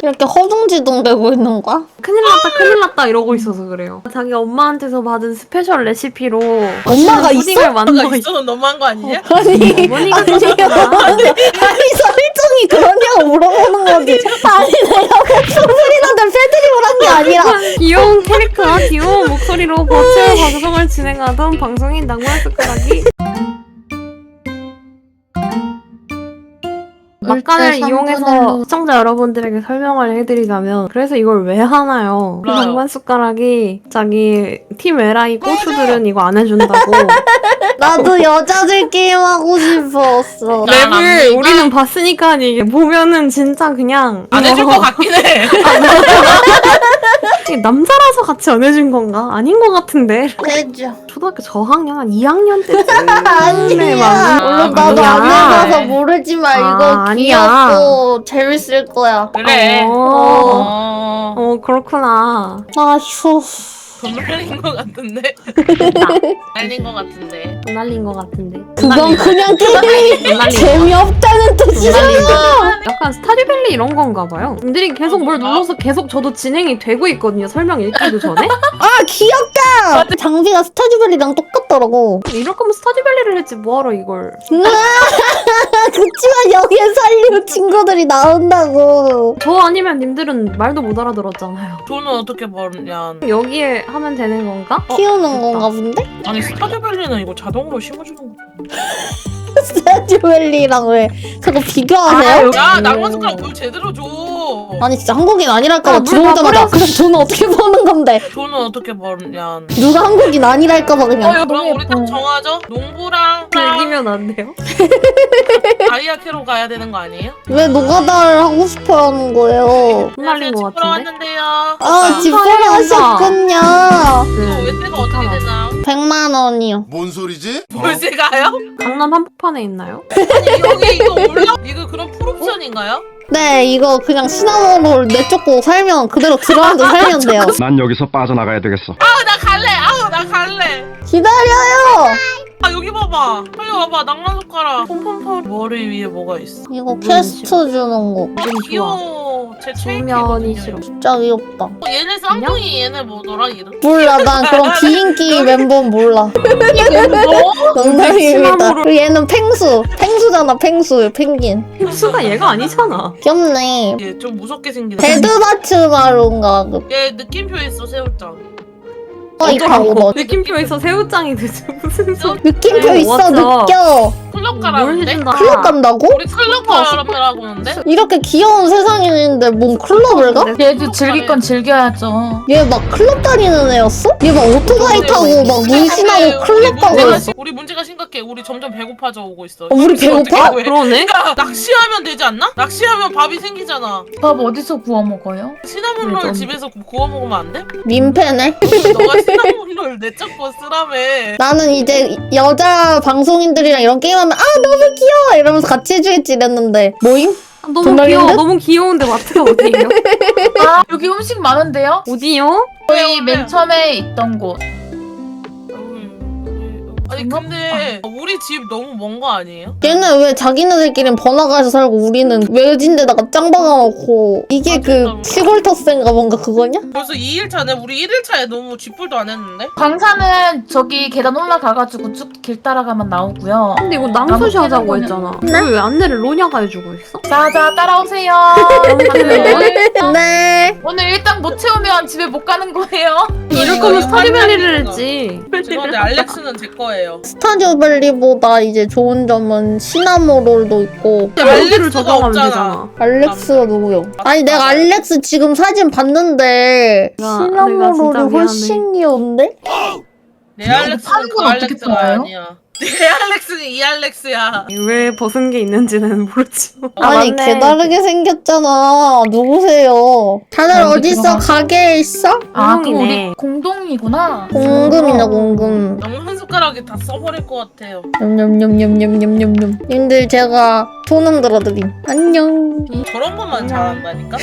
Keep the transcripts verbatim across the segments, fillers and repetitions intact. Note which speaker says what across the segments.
Speaker 1: 이렇게 허둥지둥대고 있는 거야?
Speaker 2: 큰일 났다 큰일 났다 이러고 있어서 그래요. 자기 엄마한테서 받은 스페셜 레시피로
Speaker 1: 엄마가 있어?
Speaker 2: 푸딩을 만들고 있어.
Speaker 3: 있어서 너무한 거 아니냐?
Speaker 1: 아니
Speaker 2: 어머니가
Speaker 1: 아니요
Speaker 2: 그러셨구나.
Speaker 1: 아니, 아니 설정이 그러냐고 물어보는 거지. 아니 내가 목소리 나는 패드립을 한 게 아니라
Speaker 2: 귀여운 캐릭터와 귀여운 목소리로 버추얼 방송을 진행하던 방송인 낭만 숟가락이 막간을 이용해서 시청자 여러분들에게 설명을 해드리자면 그래서 이걸 왜 하나요? 그
Speaker 3: 몰라요.
Speaker 2: 낭만 숟가락이 자기 팀 에라이 고수들은 이거 안 해준다고
Speaker 1: 나도 여자들 게임 하고 싶었어.
Speaker 3: 나-
Speaker 2: 랩을 우리는 봤으니까 이게 보면은 진짜 그냥
Speaker 3: 안 해줄 것 같긴 해.
Speaker 2: 이게 남자라서 같이 안 해준 건가? 아닌 것 같은데
Speaker 1: 해줘.
Speaker 2: 초등학교 저학년 한 이 학년 때쯤
Speaker 1: 아니야. 물론 나도 안 해봐서 모르지만
Speaker 2: 아,
Speaker 1: 이거
Speaker 2: 아니야.
Speaker 1: 귀엽고 재밌을 거야.
Speaker 3: 그래.
Speaker 2: 어.
Speaker 3: 어.
Speaker 2: 어 그렇구나.
Speaker 1: 아휴.
Speaker 3: 돈 날린 것 같은데. 날린 것 같은데.
Speaker 2: 돈 날린 것 같은데.
Speaker 1: 그건 그냥 게임이
Speaker 2: 돈 날린
Speaker 1: 재미없다는 뜻이잖아.
Speaker 2: 약간 스타듀밸리 이런 건가 봐요. 분들이 계속 뭘 눌러서 계속 저도 진행이 되고 있거든요. 설명 읽기도 전에.
Speaker 1: 아 귀엽다. 장비가 스타듀밸리랑 똑같더라고.
Speaker 2: 이럴 거면 스타듀밸리를 했지 뭐하러 이걸.
Speaker 1: 그치만 여기에 살리는 친구들이 나온다고.
Speaker 2: 저 아니면 님들은 말도 못 알아들었잖아요.
Speaker 3: 돈은 어떻게 벌냐?
Speaker 2: 여기에 하면 되는 건가? 어,
Speaker 1: 키우는 건가 본데?
Speaker 3: 아니 스타듀밸리는 이거 자동으로 심어주는 거.
Speaker 1: 스타듀밸리랑 왜 자꾸 비교하세요?
Speaker 3: 야 낭만 숟가락 물 제대로 줘.
Speaker 1: 아니 진짜 한국인 아니랄까봐
Speaker 2: 아, 물
Speaker 1: 들어오자마자
Speaker 2: 다
Speaker 1: 그럼 돈은 어떻게 버는 건데?
Speaker 3: 돈은 어떻게 벌냐?
Speaker 1: 누가 한국인 아니랄까봐 그냥.
Speaker 3: 어, 그럼 우리 딱 정하죠. 농부랑
Speaker 2: 즐기면 안 돼요?
Speaker 3: 다이아 캐로 가야 되는 거 아니에요?
Speaker 1: 왜 노가다를 하고 싶어 하는 거예요?
Speaker 2: 돈 날린 것
Speaker 3: 집 보러
Speaker 2: 같은데?
Speaker 3: 왔는데요.
Speaker 1: 아 집보러 하셨군요.
Speaker 3: 어, 외세가 어떻게 되나?
Speaker 1: 백만 원이요.
Speaker 4: 뭔 소리지?
Speaker 3: 월세가요?
Speaker 2: 강남 한복판에 있나요?
Speaker 3: 아니 여기 이거 올라? 이거 그런 풀옵션인가요?
Speaker 1: 네 이거 그냥 시나몬롤 내쫓고 살면 그대로 들어앉아 살면 돼요.
Speaker 5: 난 여기서 빠져나가야 되겠어.
Speaker 3: 아우 나 갈래. 아우 나 갈래.
Speaker 1: 기다려요.
Speaker 3: 아 여기 봐봐. 빨리 와봐. 낭만 숟가락. 폼폼폼. 머리 위에 뭐가 있어?
Speaker 1: 이거 퀘스트 주는 거
Speaker 2: 좀 좋아.
Speaker 3: 귀여워. 제
Speaker 2: 주면이
Speaker 3: 최애거든요.
Speaker 2: 싫어.
Speaker 1: 진짜 귀엽다.
Speaker 3: 어, 얘네 쌍둥이 얘네 뭐더라 이름?
Speaker 1: 몰라 난 그런 비인기 멤버 몰라. 농담입니다. 그리고 얘는 펭수. 펭수잖아 펭수. 펭귄.
Speaker 2: 흡수가 얘가 아니잖아.
Speaker 1: 귀엽네.
Speaker 3: 얘 좀 무섭게 생긴.
Speaker 1: 베드바츠마루인가 그.
Speaker 3: 얘 느낌표 있어 새우짱.
Speaker 1: 어 이파고 너.
Speaker 2: 느낌표에서 새우짱이 되지 무슨 소리.
Speaker 1: 느낌표
Speaker 2: 네,
Speaker 1: 있어
Speaker 2: 맞아.
Speaker 1: 느껴.
Speaker 3: 클럽
Speaker 2: 뭘
Speaker 3: 가라는데?
Speaker 2: 해준다.
Speaker 1: 클럽 간다고?
Speaker 3: 우리 클럽 가라고 하는데?
Speaker 1: 이렇게 귀여운 세상인데 뭔 클럽을 가?
Speaker 6: 얘도 즐길 건 즐겨야죠.
Speaker 1: 얘 막 클럽 다니는 애였어? 얘 막 오토바이 타고 막 문신하고 클럽 가고
Speaker 3: 문제가,
Speaker 1: 있어.
Speaker 3: 시- 우리 문제가 심각해. 우리 점점 배고파져 오고 있어.
Speaker 1: 어, 우리 배고파?
Speaker 3: 어떻게 구해?
Speaker 2: 그러네?
Speaker 3: 야, 낚시하면 되지 않나? 낚시하면 밥이 생기잖아.
Speaker 6: 밥 어디서 구워 먹어요?
Speaker 3: 시나몬롤
Speaker 2: 좀-
Speaker 3: 집에서 구- 구워 먹으면 안 돼?
Speaker 1: 민폐네.
Speaker 3: 너가 시나몬롤 내쫓고 쓰라며.
Speaker 1: 나는 이제 여자 방송인들이랑 이런 게임하면 아 너무 귀여워 이러면서 같이 해주겠지 이랬는데 모임?
Speaker 2: 아, 너무
Speaker 1: 정말
Speaker 2: 귀여워.
Speaker 1: 힘든?
Speaker 2: 너무 귀여운데 마트가 어디예요?
Speaker 6: 아 여기 음식 많은데요?
Speaker 2: 어디요?
Speaker 6: 저희 맨 처음에 있던 곳.
Speaker 3: 아니 근데 우리 집 너무 먼 거 아니에요?
Speaker 1: 얘는 왜 자기네들끼리는 번화가에서 살고 우리는 외진데다가 짱 박아놓고 이게 그 시골 터스인가 뭔가 그거냐?
Speaker 3: 벌써 이 일 차네. 우리 일 일 차에 너무 쥐뿔도 안 했는데?
Speaker 6: 광산은 저기 계단 올라가가지고 쭉 길 따라가면 나오고요.
Speaker 2: 근데 이거 낭수시
Speaker 6: 나무
Speaker 2: 하자고
Speaker 6: 캐는
Speaker 2: 했잖아. 왜 안내를 로냐가 해주고 있어?
Speaker 6: 자자 따라오세요.
Speaker 1: 네.
Speaker 6: 오늘 일당 못 채우면 집에 못 가는 거예요.
Speaker 2: 이럴
Speaker 3: 이거
Speaker 2: 거면
Speaker 3: 이거
Speaker 2: 스타듀밸리를
Speaker 3: 이거.
Speaker 2: 했지.
Speaker 3: 죄송한데 알렉스는 제 거예요.
Speaker 1: 스타듀밸리보다 이제 좋은 점은 시나모롤도 있고
Speaker 2: 알렉스를
Speaker 3: 알렉스가
Speaker 2: 저장하면
Speaker 3: 없잖아.
Speaker 2: 되잖아.
Speaker 1: 알렉스가 누구요? 아니 내가 알렉스 지금 사진 봤는데
Speaker 2: 내가- 내가
Speaker 1: 시나모롤이
Speaker 2: 진짜
Speaker 1: 훨씬 귀여운데?
Speaker 3: 내 알렉스는
Speaker 6: 파는
Speaker 3: 그
Speaker 6: 건 어떻게
Speaker 3: 알렉스가
Speaker 6: 팔아요?
Speaker 3: 아니야. 내 알렉스는 이 알렉스야.
Speaker 2: 왜 벗은 게 있는지는 모르지만.
Speaker 1: 아니
Speaker 2: 맞네.
Speaker 1: 개다르게 생겼잖아. 누구세요? 다들
Speaker 6: 아,
Speaker 1: 어디 있어?
Speaker 6: 들어가.
Speaker 1: 가게에 있어?
Speaker 6: 아 그럼
Speaker 2: 공동이네.
Speaker 6: 우리 공동이구나.
Speaker 1: 공금이네 공금.
Speaker 3: 너무 한 숟가락에 다 써버릴 것 같아요.
Speaker 1: 냠냠냠냠냠냠냠. 님들 제가 소능 들어드림. 안녕.
Speaker 3: 저런 것만
Speaker 2: 그냥-
Speaker 3: 잘한다니까?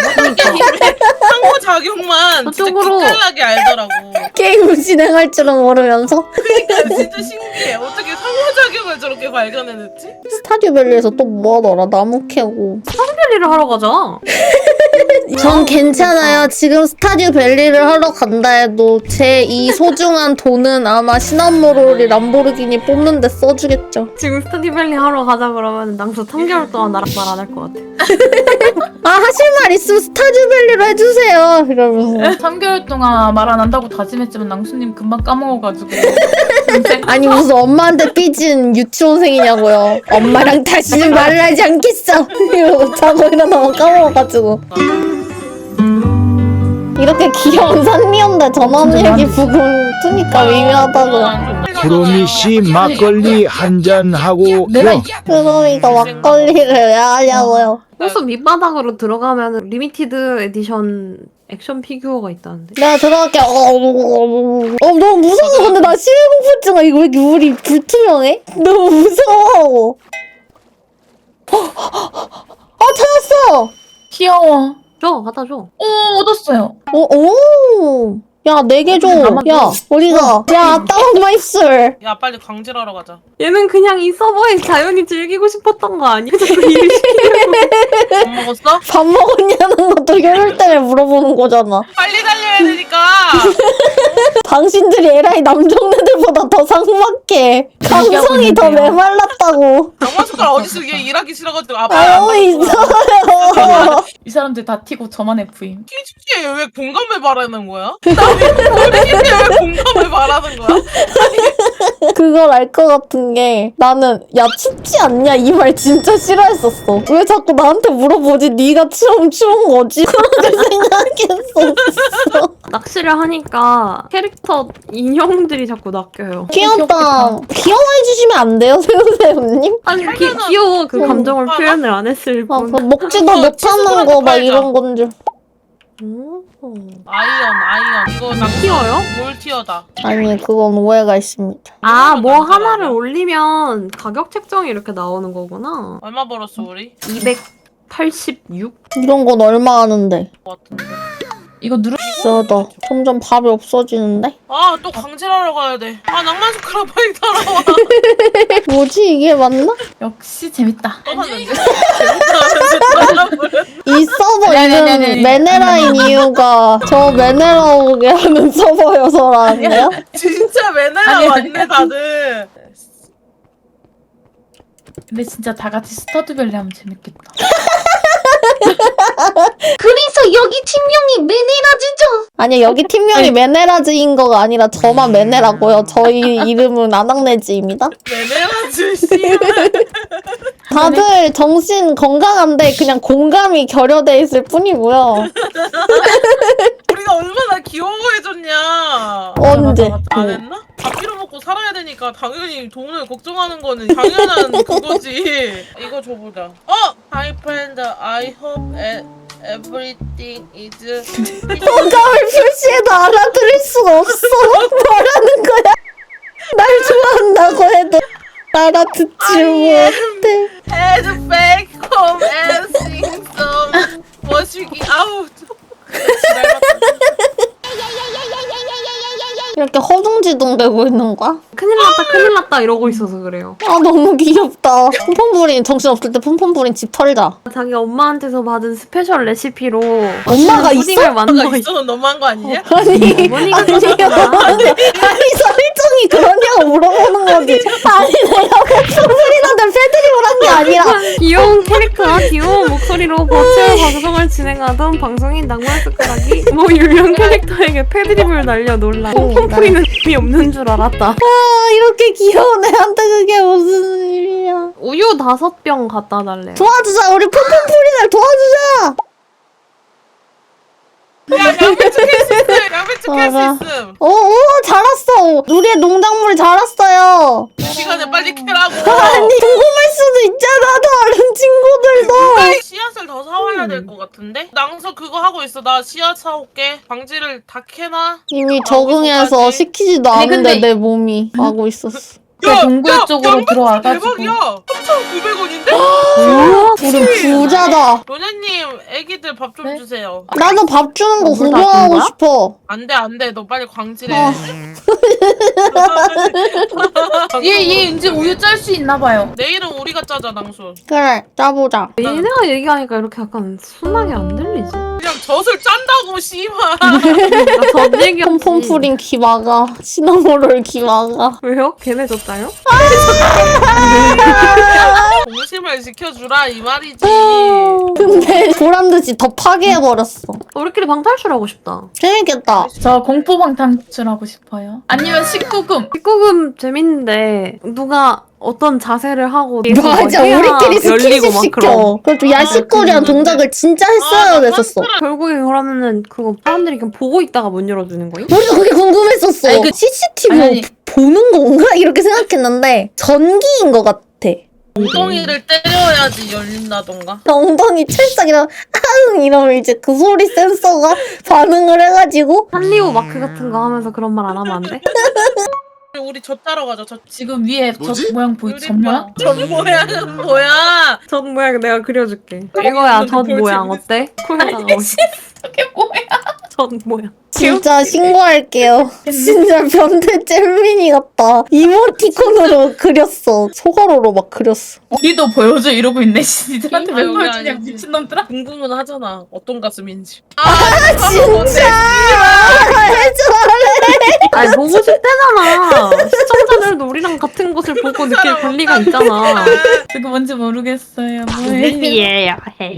Speaker 3: 상호작용만 진짜
Speaker 2: 저쪽으로.
Speaker 3: 기깔나게 알더라고.
Speaker 1: 게임을 진행할 줄은 모르면서
Speaker 3: 그러니까 진짜 신기해. 어떻게 상호작용을 저렇게 발견해냈지?
Speaker 1: 스타듀밸리에서 또 뭐하더라? 나무 캐고.
Speaker 2: 스타듀밸리를 하러 가자.
Speaker 1: 전 괜찮아요. 지금 스타듀 밸리를 하러 간다 해도 제 이 소중한 돈은 아마 시나모롤이 람보르기니 뽑는데 써주겠죠.
Speaker 2: 지금 스타디밸리 하러 가자 그러면 낭수 삼 개월 동안 나랑 말 안 할 것 같아.
Speaker 1: 아 하실 말 있으면 스타듀 밸리로 해주세요. 이러면서.
Speaker 6: 삼 개월 동안 말 안 한다고 다짐했지만 낭수님 금방 까먹어가지고.
Speaker 1: 아니 무슨 엄마한테 삐진 유치원생이냐고요. 엄마랑 다시는 말을 하지 않겠어. 이러고 자고 일어나면 까먹어가지고. 이렇게 귀여운 산리언데 전원일기 부분 트니까 미묘하다고요.
Speaker 4: 구름이 씨 막걸리 한잔 하고
Speaker 6: 내가
Speaker 4: 요.
Speaker 1: 그러니까 막걸리를 왜 하냐고요.
Speaker 2: 호수 밑바닥으로 들어가면 리미티드 에디션 액션 피규어가 있다는데.
Speaker 1: 내가 들어갈게. 어, 어, 어, 너무 무서워. 근데 나 심해공포증아. 이거 왜 이렇게 물이 불투명해? 너무 무서워. 아 찾았어.
Speaker 6: 귀여워.
Speaker 2: 줘, 갖다 줘.
Speaker 6: 오 얻었어요.
Speaker 1: 오, 오. 야, 네 개 줘. 야, 어디가? 야, 다운 마이 입술.
Speaker 3: 야 빨리 광질하러 가자.
Speaker 2: 얘는 그냥 이 서버에 자연히 즐기고 싶었던 거 아니야? 자꾸 일을 시키려고.
Speaker 3: 밥 먹었어?
Speaker 1: 밥 먹었냐는 것도 혈혈 때문에 물어보는 거잖아.
Speaker 3: 빨리 달려야 되니까.
Speaker 1: 당신들이 에라이 남정네들보다 더 삭막해. 감성이 더
Speaker 6: 있는데요.
Speaker 3: 낭만
Speaker 1: 메말랐다고.
Speaker 3: 숟가락 어디서 얘 일하기 싫어가지고 아빠
Speaker 1: 알고 있어요.
Speaker 6: 이 사람들 다 티고 저만 에프임.
Speaker 3: 키즈에 왜 공감을 바라는 거야? 키즈에 왜 공감을 바라는 거야?
Speaker 1: 그걸 알 것 같은 게 나는 야 춥지 않냐 이 말 진짜 싫어했었어. 왜 자꾸 나한테 물어보지? 네가 추우면 추운 거지? 그렇게 생각했었어.
Speaker 2: 낚시를 하니까 캐릭터 인형들이 자꾸 낚여요.
Speaker 1: 귀엽다. 귀여워해주시면 안 돼요 새우새우님?
Speaker 2: 아니 기, 귀여워. 그 감정을 표현을 안 했을
Speaker 1: 아,
Speaker 2: 뿐.
Speaker 1: 그 먹지도 못하는 거 막 이런 건 줄.
Speaker 2: 오.
Speaker 3: 아이언 아이언 이거 낭
Speaker 2: 티어요?
Speaker 3: 뭘 티어다.
Speaker 1: 아니 그건 오해가 있습니다.
Speaker 2: 아, 뭐
Speaker 3: 남자
Speaker 2: 하나를
Speaker 3: 아니야?
Speaker 2: 올리면 가격 책정이 이렇게 나오는 거구나.
Speaker 3: 얼마 벌었어 우리?
Speaker 2: 이백팔십육?
Speaker 1: 이런 건 얼마 하는데?
Speaker 3: 것 같은데.
Speaker 6: 이거 누르.
Speaker 1: 비싸다. 점점 밥이 없어지는데?
Speaker 3: 아 또 광질하러 가야 돼. 아 낭만 숟가락 빨리 따라와.
Speaker 1: 뭐지 이게 맞나?
Speaker 6: 역시 재밌다.
Speaker 3: 떠났는데. 재밌다면서
Speaker 1: 이 서버
Speaker 6: 아니, 아니,
Speaker 1: 이름
Speaker 6: 아니, 아니.
Speaker 1: 메네라인 이유가 저 메네라 오게 하는 서버여서라는데요?
Speaker 3: 진짜 매너가
Speaker 6: 아니,
Speaker 3: 맞네 다들.
Speaker 6: 근데 진짜 다 같이 스타드밸리 하면 재밌겠다.
Speaker 1: 그래서 여기 팀명이 메네라즈죠? 아니요 여기 팀명이 메네라즈인 거가 아니라 저만 메네라고요. 저희 이름은 아낙네즈입니다.
Speaker 3: 매너라지 씨.
Speaker 1: 다들 정신 건강한데 그냥 공감이 결여돼 있을 뿐이고요.
Speaker 3: 우리가 얼마나 귀여워해줬냐.
Speaker 1: 언제?
Speaker 3: 안 했나? 밥 빌어먹고 살아야 되니까 당연히 돈을 걱정하는 거는 당연한 그거지. 이거 줘보자. 어! Hi friend, I hope e- everything is...
Speaker 1: 공감을 표시해도 알아들을 수가 없어. 뭐라는 거야? 날 좋아한다고 해도 알아듣지 못해.
Speaker 3: Head back home and sing some 멋지기 아우
Speaker 1: 이렇게 허둥지둥대고 있는 거야?
Speaker 2: 큰일 났다 큰일 났다 이러고 있어서 그래요.
Speaker 1: 아 너무 귀엽다. 폼폼부린 정신없을 때 폼폼부린 집 털자.
Speaker 2: 자기 엄마한테서 받은 스페셜 레시피로
Speaker 1: 엄마가 있어?
Speaker 2: 푸딩을 만들어
Speaker 3: 너가
Speaker 2: 있어.
Speaker 3: 있어서 너무한 거 아니냐?
Speaker 1: 아니
Speaker 2: 어머니가
Speaker 1: 아니요.
Speaker 2: 그러셨구나.
Speaker 1: 아니 설정이 그러냐고 물어보는 거지. 아니 내가 폼폼부린한테 패드립을 한 게 아니라
Speaker 2: 귀여운 캐릭터와 귀여운 목소리로 버추얼 방송을 진행하던 방송인 낭만 숟가락이 뭐 유명 캐릭터에게 패드립을 날려 놀라. 폼폼프리는 의미 없는 줄 알았다.
Speaker 1: 아 이렇게 귀여운 애한테 그게 무슨 일이야.
Speaker 2: 우유 다섯 병 갖다 달래요.
Speaker 1: 도와주자. 우리 폼폼부린을 도와주자.
Speaker 3: 야 양배추 캘수 있음! 양배추 캘수
Speaker 1: 알아.
Speaker 3: 있음!
Speaker 1: 오, 오, 자랐어. 우리의 농작물이 자랐어요.
Speaker 3: 시간에 빨리 캐라고!
Speaker 1: 아니, 궁금할 수도 있잖아, 다른 친구들도.
Speaker 3: 누가 씨앗을 더 사와야 될 것 같은데? 낭서 그거 하고 있어. 나 씨앗 사올게. 방지를 다 캐놔.
Speaker 1: 이미
Speaker 3: 아,
Speaker 1: 적응해서
Speaker 3: 어디서까지?
Speaker 1: 시키지도
Speaker 6: 아니,
Speaker 1: 않은데
Speaker 6: 근데-
Speaker 1: 내 몸이 하고 있었어.
Speaker 6: 그 동굴 쪽으로 들어와가지고.
Speaker 3: 대박이야. 삼천구백 원인데?
Speaker 1: 우리 부자다.
Speaker 3: 로냐님 애기들 밥 좀
Speaker 6: 네?
Speaker 3: 주세요.
Speaker 1: 나도 밥 주는 거
Speaker 2: 어, 물
Speaker 1: 구경하고
Speaker 2: 다 준 거야?
Speaker 1: 싶어.
Speaker 3: 안돼 안돼 너 빨리 광질해.
Speaker 1: 어.
Speaker 6: 얘, 얘 이제 우유 짤 수 있나 봐요.
Speaker 3: 내일은 우리가 짜자 낭수.
Speaker 1: 그래, 짜보자.
Speaker 2: 얘네가 얘기하니까 이렇게 약간 순하게 안 들리지?
Speaker 3: 그냥 젖을 짠다고 씨발.
Speaker 2: 전 얘기
Speaker 1: 폼폼프린 기마가, 시나모롤 기마가.
Speaker 2: 왜요? 걔네 줬다요?
Speaker 3: 동심을 지켜주라 이 말이지.
Speaker 1: 근데 보란듯이 더 파괴해버렸어.
Speaker 2: 우리끼리 방탈출하고 싶다.
Speaker 1: 재밌겠다.
Speaker 6: 저 공포 방탈출하고 싶어요. 아니면 십구 금.
Speaker 2: 십구 금 재밌는데 누가 어떤 자세를 하고
Speaker 1: 맞아,
Speaker 2: 해야
Speaker 1: 우리끼리
Speaker 2: 열리고
Speaker 1: 스킨십
Speaker 2: 막 그런.
Speaker 1: 시켜. 그것도 야식거리한 동작을 진짜 했어야 됐었어.
Speaker 2: 결국에 그러면은 그거 사람들이 그냥 보고 있다가 못 열어주는 거임?
Speaker 1: 우리도 그게 궁금했었어.
Speaker 6: 아니, 그-
Speaker 1: 씨씨티비로
Speaker 6: 아니, 아니.
Speaker 1: 보는 건가? 이렇게 생각했는데 전기인 것 같아.
Speaker 3: 엉덩이를 때려야지 열린다던가.
Speaker 1: 엉덩이 찰싹 이러면 아응 이러면 이제 그 소리 센서가 반응을 해가지고
Speaker 2: 한리오 마크 같은 거 하면서 그런 말 안 하면 안 돼?
Speaker 3: 우리 젖 따러 가자. 젖.
Speaker 6: 지금 위에 저 모양 보이, 저 모양?
Speaker 3: 젖 모양은 뭐야?
Speaker 2: 젖 모양 내가 그려줄게. 이거야 젖 모양 어때? 코에다가
Speaker 6: 저게 뭐야?
Speaker 2: 젖 모양.
Speaker 1: 진짜 신고할게요. 진짜 변태 잼민이 같다. 이모티콘으로 그렸어. 소가로로 막 그렸어.
Speaker 6: 우리도 보여줘 이러고 있네. 니들한테 왜
Speaker 3: 아유,
Speaker 6: 보여주냐
Speaker 3: 아니지.
Speaker 6: 미친놈들아.
Speaker 3: 궁금은 하잖아. 어떤 가슴인지.
Speaker 1: 진짜 해줘래.
Speaker 2: 아니 보고 싶대잖아. 시청자들도 우리랑 같은 것을 보고 느낄 권리가 있잖아.
Speaker 6: 그거 뭔지 모르겠어요. 뭐예요?
Speaker 2: 예요.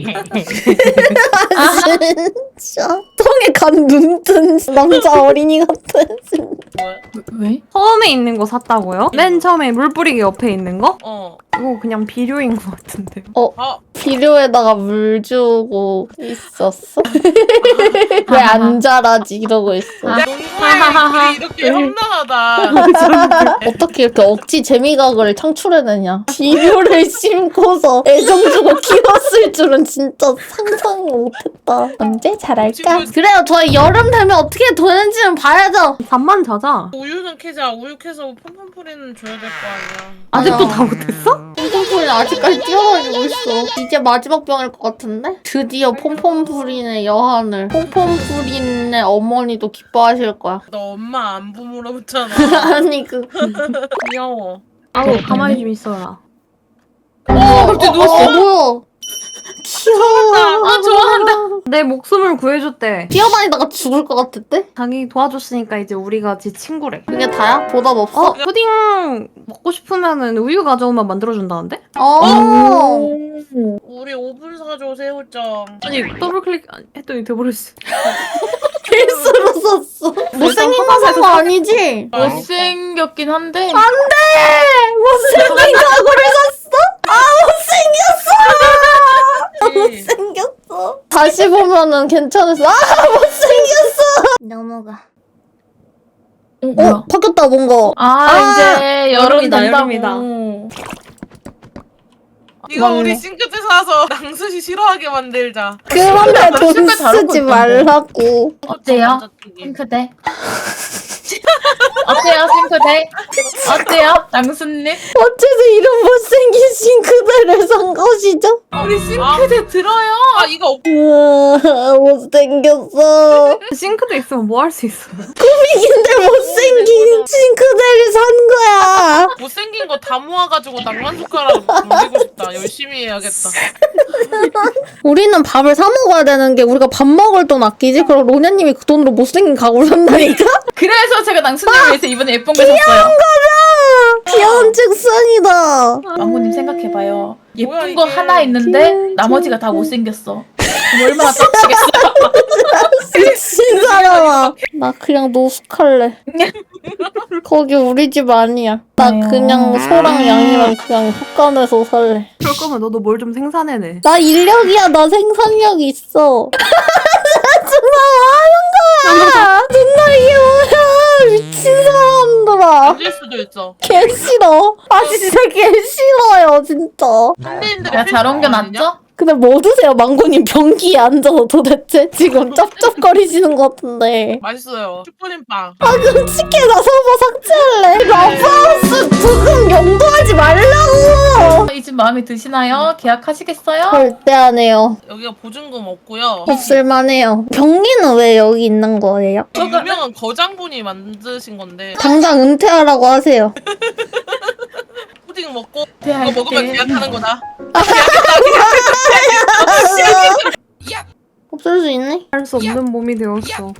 Speaker 1: 진짜 똥에 간 눈뜬 남자 어린이 같아.
Speaker 3: 뭐야?
Speaker 6: 왜?
Speaker 2: 처음에 있는 거 샀다고요? 맨 처음에 물 뿌리기 옆에 있는 거?
Speaker 3: 어.
Speaker 2: 이거 그냥 비료인 것 같은데요.
Speaker 3: 아,
Speaker 1: 비료에다가 물 주고 있었어? 왜 안 자라지 이러고 있어.
Speaker 3: 농구의 이렇게 험난하다.
Speaker 1: 어떻게 이렇게 억지 재미각을 창출해내냐. 비료를 심고서 애정 주고 키웠을 줄은 진짜 상상 못했다. 언제 자랄까? 그래요, 저희 여름 되면 어떻게 되는지는 봐야죠.
Speaker 2: 잠만 자자.
Speaker 3: 우유는 캐자. 우유 캐서 폼폼프리는 줘야 될 거 아니야.
Speaker 2: 아직도
Speaker 1: 맞아.
Speaker 2: 다 못했어?
Speaker 1: 폼폼프린 아직까지 뛰어다니고 있어. 이제 마지막 병일 것 같은데? 드디어 폼폼프린의 여한을. 폼폼프린의 어머니도 기뻐하실 거야.
Speaker 3: 너 엄마 안부 물어봤잖아.
Speaker 1: 아니 그
Speaker 3: 귀여워.
Speaker 2: 아우 가만히 좀 있어라.
Speaker 1: 어, 갑자기 누웠어. 어, 뭐야? 귀여워.
Speaker 6: 아 좋아한다.
Speaker 2: 내 목숨을 구해줬대.
Speaker 1: 뛰어다니다가 죽을 것 같았대?
Speaker 2: 자기 도와줬으니까 이제 우리가 지 친구래.
Speaker 1: 그게 다야? 보답 없어?
Speaker 2: 어? 푸딩 먹고 싶으면은 우유 가져오면 만들어준다는데?
Speaker 1: 어.
Speaker 3: 우리 오븐 사줘 새우장.
Speaker 2: 아니 더블클릭 했더니 돼버렸어.
Speaker 1: 필수로 썼어. 못생긴 거 산 거 아니지?
Speaker 6: 못생겼긴 한데.
Speaker 1: 못생긴 가구를 샀어? 아,
Speaker 3: 그치?
Speaker 1: 못생겼어. 못생겼어. 다시 보면은 괜찮았어. 아, 못생겼어. 넘어가.
Speaker 6: 어, 뭐야?
Speaker 1: 어, 바뀌었다, 뭔가.
Speaker 6: 아,
Speaker 1: 아,
Speaker 6: 이제 여름
Speaker 2: 여름이다,
Speaker 6: 된다고.
Speaker 2: 여름이다.
Speaker 3: 이거
Speaker 1: 맞네.
Speaker 3: 우리 싱크대 사서 낭수씨 싫어하게 만들자.
Speaker 1: 그런데 돈
Speaker 6: 색깔 다른 거
Speaker 1: 쓰지
Speaker 6: 있던데.
Speaker 1: 말라고.
Speaker 6: 어때요?
Speaker 3: 감자튀김.
Speaker 6: 싱크대? 어때요, 싱크대? 어때요, 낭수님?
Speaker 1: 어째서 이런 못생긴 싱크대를 산 것이죠?
Speaker 6: 우리 싱크대 들어요.
Speaker 3: 아 이거 없-
Speaker 1: 으아, 못생겼어.
Speaker 2: 싱크대 있으면 뭐 할 수 있어?
Speaker 1: 꾸미긴데 못생긴 싱크대를 산 거야.
Speaker 3: 못생긴 거 다 모아가지고 낭만 숟가락 만들고 싶다. 열심히 해야겠다.
Speaker 1: 우리는 밥을 사 먹어야 되는 게 우리가 밥 먹을 돈 아끼지? 그럼 로냐님이 그 돈으로 못생긴 가구를 산다니까?
Speaker 6: 그래서 제가 낭수님 위해서 이번에 예쁜 거 샀어요.
Speaker 1: 귀여운 책상이다.
Speaker 6: 망고님 생각해봐요. 예쁜
Speaker 3: 뭐야,
Speaker 6: 거
Speaker 3: 이게.
Speaker 6: 하나 있는데 나머지가 다 못생겼어. 그럼 얼마나 빡치겠어요.
Speaker 1: 미친 사람아. 나 그냥 노숙할래. 거기 우리 집 아니야. 나
Speaker 6: 아유.
Speaker 1: 그냥 소랑 양이랑 그냥 헛간에서 살래.
Speaker 2: 그럴 거면 너도 뭘 좀 생산해내.
Speaker 1: 나 인력이야. 나 생산력 있어. 정말 뭐 하는 거야? 존나 이게 뭐야? 미친 사람들아.
Speaker 3: 안될 수도 있어.
Speaker 1: 개 싫어. 아 진짜 개 싫어요 진짜.
Speaker 3: 현대인들의
Speaker 6: 내가 잘
Speaker 3: 필수 아니냐?
Speaker 6: 옮겨놨죠?
Speaker 1: 근데 뭐 드세요? 망고님 변기에 앉아서 도대체 지금 쩝쩝거리시는 것 같은데.
Speaker 3: 맛있어요. 슈프림빵.
Speaker 1: 아 그럼 치킨나 서버 삭제할래. 러브하우스 부금 용도하지 말라고.
Speaker 6: 이 집 마음에 드시나요? 계약하시겠어요?
Speaker 1: 절대 안 해요.
Speaker 3: 여기가 보증금 없고요.
Speaker 1: 없을만해요. 변기는 왜 여기 있는 거예요?
Speaker 3: 이 유명한 거장분이 만드신 건데
Speaker 1: 당장 은퇴하라고 하세요.
Speaker 3: 푸딩 먹고
Speaker 6: 네,
Speaker 3: 이거 먹으면
Speaker 6: 할게.
Speaker 3: 계약하는 거다.
Speaker 1: 없을 수 있네.
Speaker 2: 할 수 없는 몸이 되었어.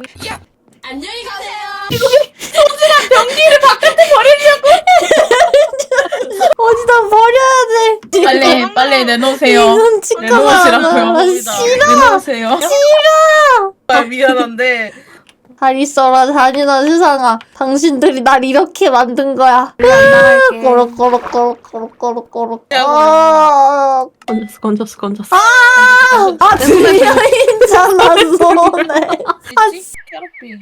Speaker 1: 어디다 버려야 돼.
Speaker 6: 빨리 빨리 내놓으세요.
Speaker 1: 이건 치카가
Speaker 6: 내놓으시라고요.
Speaker 1: 아, 싫어.
Speaker 6: 내놓으세요.
Speaker 3: 아, 미안한데
Speaker 1: 잘 있어라 잔인한 세상아. 당신들이 날 이렇게 만든 거야.
Speaker 2: 나갈게.
Speaker 1: 꼬록꼬록꼬록꼬록꼬록꼬록.
Speaker 3: 야,
Speaker 1: 아,
Speaker 2: 건졌어 건졌어 건졌어.
Speaker 1: 아 들려있잖아 손에.
Speaker 3: 있지? 캐럿비.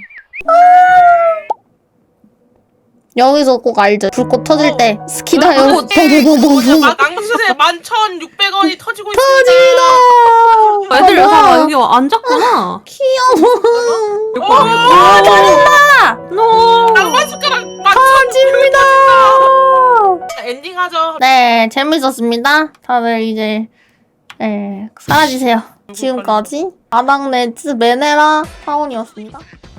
Speaker 1: 여기서 꼭 알죠. 불꽃 터질 때 스키다요.
Speaker 3: 뭐냐,
Speaker 1: 버버버버버.
Speaker 3: 만- 낭수세 만 천육백 원이 터지고 있습니다.
Speaker 1: 터지다.
Speaker 2: 애들
Speaker 1: 아,
Speaker 2: 여사가
Speaker 1: 뭐야.
Speaker 2: 여기 앉았구나.
Speaker 1: 귀여워.
Speaker 3: 아,
Speaker 1: 잘한다.
Speaker 2: 노.
Speaker 3: 낭만 숟가락 만
Speaker 1: 터집니다.
Speaker 3: 천. 엔딩 하죠.
Speaker 1: 네, 재밌었습니다. 다들 이제 네, 사라지세요. 지금까지 아당네츠 메네라 타운이었습니다.